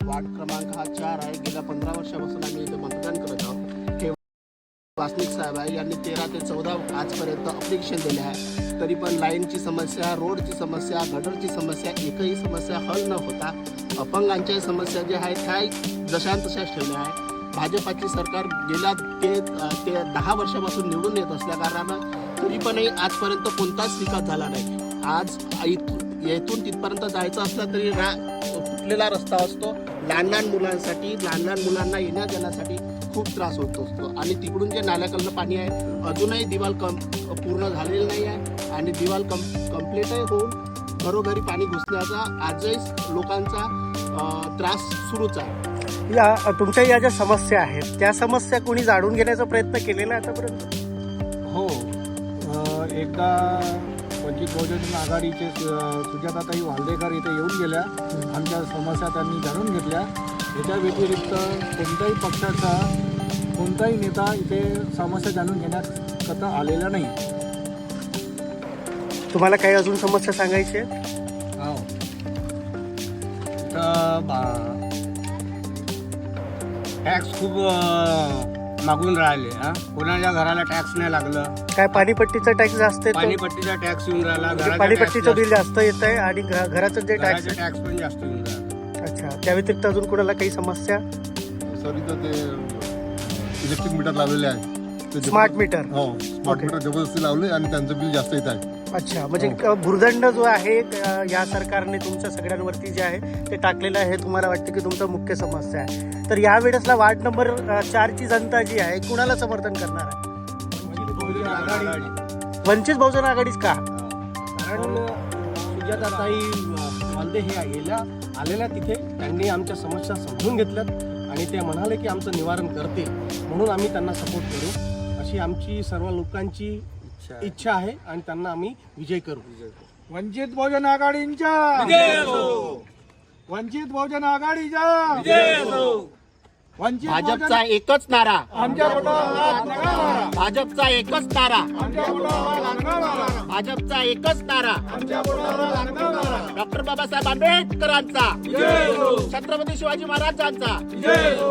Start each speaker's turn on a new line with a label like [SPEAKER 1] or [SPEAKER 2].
[SPEAKER 1] Ward क्रमांक हा 4 आहे. गेल्या 15 वर्षापासून आम्ही इथे मतदान करत आहोत. हे वासनिक साहेब आहे, यांनी 13 ते 14 आजपर्यंत अप्लिकेशन दिले आहे. तरी पण लाईनची समस्या, रोडची समस्या, गटरची समस्या, एकही समस्या हल न होता अपंगांच्या समस्या ज्या आहेत काय जशान तशाच ठेवल्या आहे. भाजपाची सरकार गेल्या ते 10 वर्षापासून निवडून येत असल्या कारणानं तरी पणही आजपर्यंत कोणताच विकास झाला नाही. आज येथून तिथपर्यंत जायचं असलं तरी फुटलेला रस्ता असतो. लहान लहान मुलांना येण्या जाण्यासाठी खूप त्रास होत असतो. आणि तिकडून जे नाल्याकडलं पाणी आहे अजूनही दिवाल पूर्ण झालेलं नाही आहे आणि दिवाल कंप्लीटही होऊन घरोघरी पाणी घुसण्याचा आजही लोकांचा त्रास सुरूच आहे.
[SPEAKER 2] तुमच्या या ज्या समस्या आहेत त्या समस्या कोणी जाणून घेण्याचा प्रयत्न केलेला आहे आतापर्यंत?
[SPEAKER 3] हो, एकदा वंचित बहुजन आघाडीचे सुजाताताई वाल्देकर इथे येऊन गेल्या. आमच्या समस्या त्यांनी जाणून घेतल्या. याच्या व्यतिरिक्त कोणत्याही पक्षाचा कोणताही नेता इथे समस्या जाणून घेण्याकरता आलेला नाही.
[SPEAKER 2] तुम्हाला काही अजून समस्या सांगायची आहे?
[SPEAKER 3] हो, तर टॅक्स खूप मागून राहिले. कोणाच्या घराला टॅक्स नाही लागलं.
[SPEAKER 2] काय पाणीपट्टीचा टॅक्स जास्त येतो?
[SPEAKER 3] पाणीपट्टीचा टॅक्स येऊन राहिला.
[SPEAKER 2] पाणीपट्टीचं बिल जास्त येत आहे आणि घराचं जे टॅक्स
[SPEAKER 3] पण जास्त येऊन राहिला.
[SPEAKER 2] अच्छा, त्या व्यतिरिक्त अजून कोणाला काही समस्या?
[SPEAKER 4] सर इथं ते इलेक्ट्रिक मीटर लावलेले आहे.
[SPEAKER 2] Smart meter?
[SPEAKER 4] हो, स्मार्ट मीटर जबरदस्ती लावले आणि त्यांचं बिल जास्त येत आहे.
[SPEAKER 2] अच्छा, म्हणजे भुर्दंड जो आहे या सरकारने तुमच्या सगळ्यांवरती जे आहे ते टाकलेलं आहे, तुम्हाला वाटतं की तुमचा मुख्य समस्या आहे. तर या वेळेसला वार्ड नंबर 4 ची जनता जी आहे कुणाला समर्थन करणार आहे? वंचित बहुजन आघाडीच का?
[SPEAKER 1] कारण सुजाताताई वाल्दे हे आलेल्या तिथे त्यांनी आमच्या समस्या समजून घेतल्यात आणि ते म्हणाले की आमचं निवारण करतील, म्हणून आम्ही त्यांना सपोर्ट करू अशी आमची सर्व लोकांची इच्छा आहे आणि त्यांना आम्ही विजय करू.
[SPEAKER 3] वंचित बहुजन आघाडींच्या वंचित बहुजन आघाडीच्या वंचित
[SPEAKER 1] भाजपचा एकच नारा,
[SPEAKER 3] आमच्या पोटाला
[SPEAKER 1] भाजपचा एकच नारा,
[SPEAKER 3] आमच्या पोटाला
[SPEAKER 1] भाजपचा एकच नारा,
[SPEAKER 3] आमच्या पोटाला
[SPEAKER 1] डॉक्टर बाबासाहेब आंबेडकरांचा, छत्रपती शिवाजी महाराजांचा.